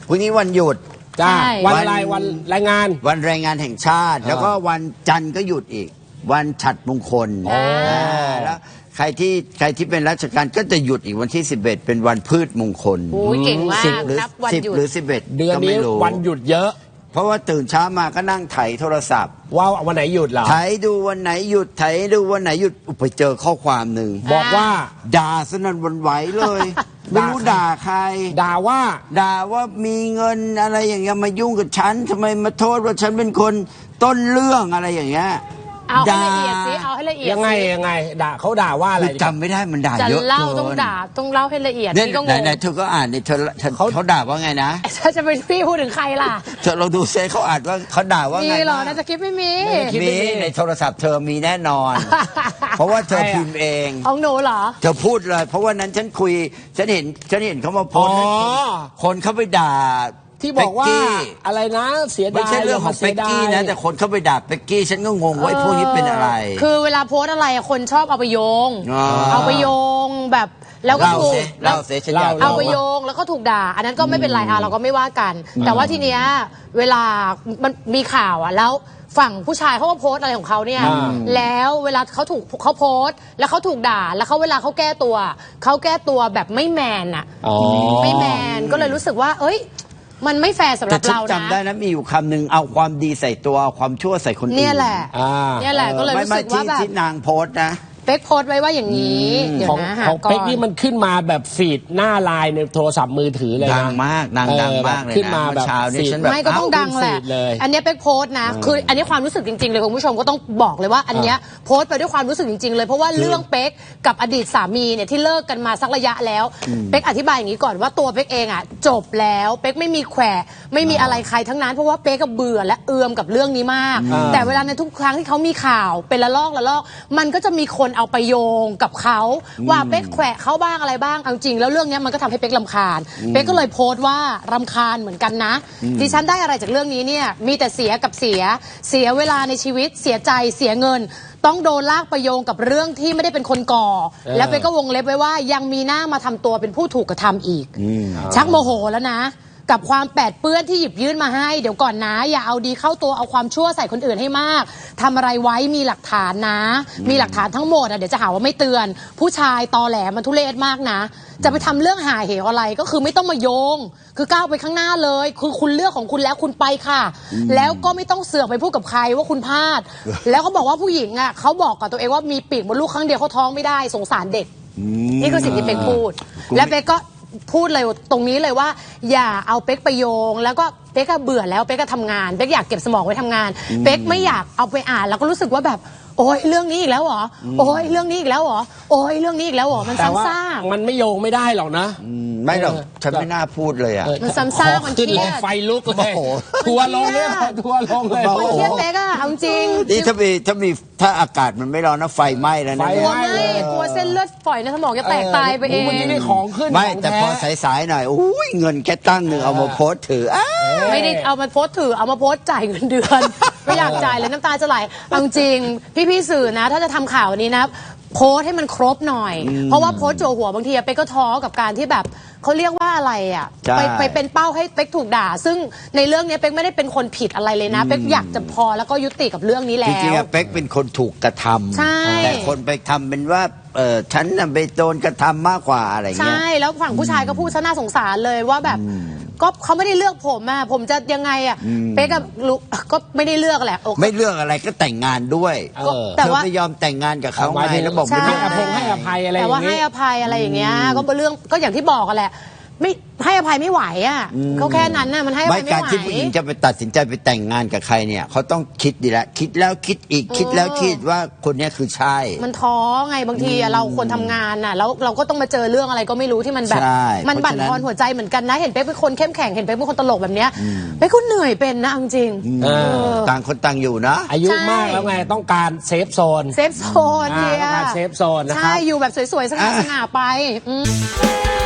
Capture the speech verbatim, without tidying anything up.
พรุ่งนี้วันหยุดจ้าใช่วันอะไรวันแรงงานวันแรงงานแห่งชาติ แล้วก็วันจันทร์ก็หยุดอีก วันฉัตรมงคลอ๋ออ่าแล้วใครที่ใครที่เป็นราชการก็จะหยุดอีกวันที่สิบเอ็ดเป็นวันพืชมงคลโอ้ยเก่งมากสิบหรือนับวันสิบหยุดหรือสิบเอ็ดเดือนก็นี้ไม่รู้วันหยุดเยอะเพราะว่าตื่นเช้ามาก็นั่งไถโทรศัพท์ว่าวันไหนหยุดเหรอไถดูวันไหนหยุดไถดูวันไหนหยุดอุยไปเจอข้อความหนึ่งบอกว่าด่าสนั่นหวันไหวเลย ไม่รู้ด่าใครด่าว่าด่าว่ามีเงินอะไรอย่างเงี้ยมายุ่งกับฉันทำไมมาโทษว่าฉันเป็นคนต้นเรื่องอะไรอย่างเงี้ยเอาให้ละเอียดสิเอาให้ละเอียดยังไงสิยังไงด่าเขาด่าว่าอะไรคือจำไม่ได้มันด่าจะเยอะเล่าเกินต้องด่าต้องเล่าให้ละเอียดเนี่ยนี่ก็งไหนงไหนเธอก็อ่านเนี่ยเธอเธอเขาด่าว่าไงนะถ้าจะเป็นพี่พูดถึงใครล่ะเธอเราดูเซเขาอ่านว่าเขาด่าว่ามีไงเหรอบ้างในสคริปต์ไม่มีมีในโทรศัพท์เธอมีแน่นอน เพราะว่าเธอพิมพ์เองของหนูเหรอเธอพูดเลย เพราะว่านั้นฉันคุยฉันเห็นฉันเห็นเขามาโพอ๋สอต์คนเขาไปด่าที่บอกว่าเป๊กกี้อะไรนะเสียดายไม่ใช่เรื่องของย่าเป็กกี้นะ แต่คนเข้าไปด่าเป็กกี้ฉันก็งงว่าไอ้พวกนี้เป็นอะไรคือเวลาโพสต์อะไรอะคนชอบเอาไปโยงอ๋อเอาไปโยงแบบแล้วก็เล่าถูกเซเล่าเซฉันอยากเอาไปรู้โยงแล้วก็ถูกด่า อันนั้นก็ไม่เป็นไรอ่ะเราก็ไม่ว่ากัน แต่ว่าทีเนี้ยเวลามันมีข่าวอ่ะแล้วฝั่งผู้ชายเขาก็โพสต์อะไรของเขาเนี่ยอ่าแล้วเวลาเขาถูกเขาโพสต์ แล้วเขาถูกด่าแล้วเขาเวลาเขาแก้ตัวเขาแก้ตัวแบบไม่แมนอ่ะอ๋อไม่แมนก็เลยรู้สึกว่า เอ้ย มันไม่แฟร์สำหแต่รับฉันเรานะจำได้นะมีอยู่คำหนึ่งเอาความดีใส่ตัวเอาความชั่วใส่คนอื่นเนี่ยแหละอ่าเนี่ยแหละก็เลยไม่รู้ไม่สึกว่าที่แบบที่นางโพสต์นะเป๊กโพสต์ไว้ว่าอย่างนี้เดี๋ยวของนะหาของก่อเป๊กนนี่มันขึ้นมาแบบฟีดหน้าไลน์ในโทรศัพท์มือถือเลยนะดังมากนางดังมากเลยนะขึ้นมาแบบเมื่อเช้านี่ฟีดฉันแบบไม่ก็ต้องดังแหละฟีดเลยอันเนี้ยเป๊กโพสต์นะ คืออันนี้ความรู้สึกจริงๆเลยคุณผู้ชมก็ต้องบอกเลยว่า อันเนี้ยโพสต์ไปด้วยความรู้สึกจริงๆเลยเพราะว่าเรื่องเป๊กกับอดีตสามีเนี่ยที่เลิกกันมาสักระยะแล้วเป๊กอธิบายอย่างนี้ก่อนว่าตัวเป๊กเองอ่ะจบแล้วเป๊กไม่มีแขวะไม่มีอะไรใครทั้งนั้นเพราะว่าเป๊กก็เบื่อและเอือมกับเรื่องนี้มากอ่าแต่เวลาในทุกครั้งที่เขามีข่าวเป็นละลอกละลอกมันก็จะมีคนเอาไปโยงกับเขาว่าเป๊กแขวะเขาบ้างอะไรบ้างเอาจริงแล้วเรื่องเนี้ยมันก็ทำให้เป๊กรำคาญเป๊กก็เลยโพสต์ว่ารำคาญเหมือนกันนะดิฉันได้อะไรจากเรื่องนี้เนี่ยมีแต่เสียกับเสียเสียเวลาในชีวิตเสียใจเสียเงิน ต้องโดนลากไปโยงกับเรื่องที่ไม่ได้เป็นคนก่อเออแล้วเป๊กก็วงเล็บไว้ว่ายังมีหน้ามาทำตัวเป็นผู้ถูกกระทำอีก ชักโมโหแล้วนะ กับความแปดเปื้อนที่หยิบยื่นมาให้เดี๋ยวก่อนนะ อย่าเอาดีเข้าตัวเอาความชั่วใส่คนอื่นให้มากทำอะไรไว้มีหลักฐานนะ มีหลักฐานทั้งหมดอ่ะเดี๋ยวจะหาว่าไม่เตือน ผู้ชายตอแหลมันทุเรศมากนะ จะไปทำเรื่องหาเหวอะไรก็คือไม่ต้องมาโยง คือก้าวไปข้างหน้าเลย คือคุณเลือกของคุณแล้วคุณไปค่ะ แล้วก็ไม่ต้องเสือกไปพูดกับใครว่าคุณพลาด แล้วเขาบอกว่าผู้หญิงอ่ะเขาบอกกับตัวเองว่ามีปีกมดลูกครั้งเดียวเขาท้องไม่ได้สงสารเด็ก นี่คือสิ่งที่เป๊กพูด และเป๊กก็พูดเลยตรงนี้เลยว่า อย่าเอาเป๊กไปโยง แล้วก็เป๊กก็เบื่อแล้วเป๊กก็ทำงานเป๊กอยากเก็บสมองไว้ทำงาน เป๊กไม่อยากเอาไปอ่านแล้วก็รู้สึกว่าแบบโอ้ยเรื่องนี้อีกแล้วเหรอโอ้ยเรื่องนี้อีกแล้วเหรอโอ้ยเรื่องนี้อีกแล้วเหรอมันแต่ว่าซ้ำซากมันไม่โยงไม่ได้หรอกนะไม่หรอกเออฉันไม่น่าพูดเลยอ่ะเออมันซ้ำซากมันขึ้นเครีเลยดไฟลุกเลยโอ้โหทัวร์ลงเลยทัวร์ลงเลยโอ้มันโหเครียดเป๊กอะเอาจริงนี่ถ้ามีถ้ามีถ้าอากาศมันไม่ร้อนนะไฟไหม้แล้วนะไฟกลัวไหม้ไม่กลัวเส้นเลือดฝอยในสมองจะแตกตายไปเองวันนี้ได้ของขึ้นไม่ของแต่ท้พอสายๆหน่อยอุ้ยเงินแค่ตั้งหนึ่งเอามาโพสต์ถืออ้าไม่ได้เอามาโพสต์ถือเอามาโพสต์จ่ายเงินเดือน ไม่อยากจ่ายเลยน้ำตาจะไหลเอาจริงพี่ๆสื่อนะ ถ้าจะทำข่าวนี้นะโพสต์ให้มันครบหน่อย เพราะว่าโพสต์โจหัวบางทีอะเป๊กก็ท้อกับการที่แบบเขาเรียกว่าอะไรอ่ะใช่ไปไปเป็นเป้าให้เป๊กถูกด่า ซึ่งในเรื่องนี้เป๊กไม่ได้เป็นคนผิดอะไรเลยนะเป๊กอยากจะพอแล้วก็ยุติกับเรื่องนี้แล้จริงๆวอะเป๊กเป็นคนถูกกระทำใช่แต่คนไปทำเป็นว่าเออฉันน่ะไปโดนกระทำมากกว่าอะไรเงี้ยใช่แล้วฝั่งผู้ชายก็พูดซะน่าสงสารเลยว่าแบบก็เขาไม่ได้เลือกผมอ่ะผมจะยังไงอ่ะเป๊กกับลูกก็ไม่ได้เลือกแหละโอเคไม่เลือกอะไรก็แต่งงานด้วยเออแต่เธอว่าไม่ยอมแต่งงานกับเขาหมายไงถึงแล้วบอกใช่ไม่ให้ได้อภัยให้อภัยอะไรอแต่ย่างว่าให้นี้อภัยอะไรอย่างเงี้ยก็เป็นเรื่องก็อย่างที่บอกกันแหละไม่ให้อภัยไม่ไหวอ่ะเขาแค่นั้นน่ะมันให้อไม่ภัยไม่การไหวที่ผู้หญิงจะไปตัดสินใจไปแต่งงานกับใครเนี่ยเขาต้องคิดดีแล้วคิดแล้วคิดอีกคิดแล้วคิดว่าคนเนี้ยคือใช่มันท้อไงบางทีอะเราคนทำงานน่ะแล้วเราก็ต้องมาเจอเรื่องอะไรก็ไม่รู้ที่มันแบบใช่มันบั่นทอนหัวใจเหมือนกันนะเห็นเป๊กเป็นคนเข้มแข็งเห็นเป๊กเป็นคนตลกแบบเนี้ยเป๊กก็เหนื่อยเป็นนะเอาจริงเออต่างคนต่างอยู่นะอายุใช่มากแล้วไงต้องการเซฟโซนเซฟโซนอ่าเนี่ยต้องการเซฟโซนนะครับใช่อยู่แบบสวยๆสง่าๆไปอืม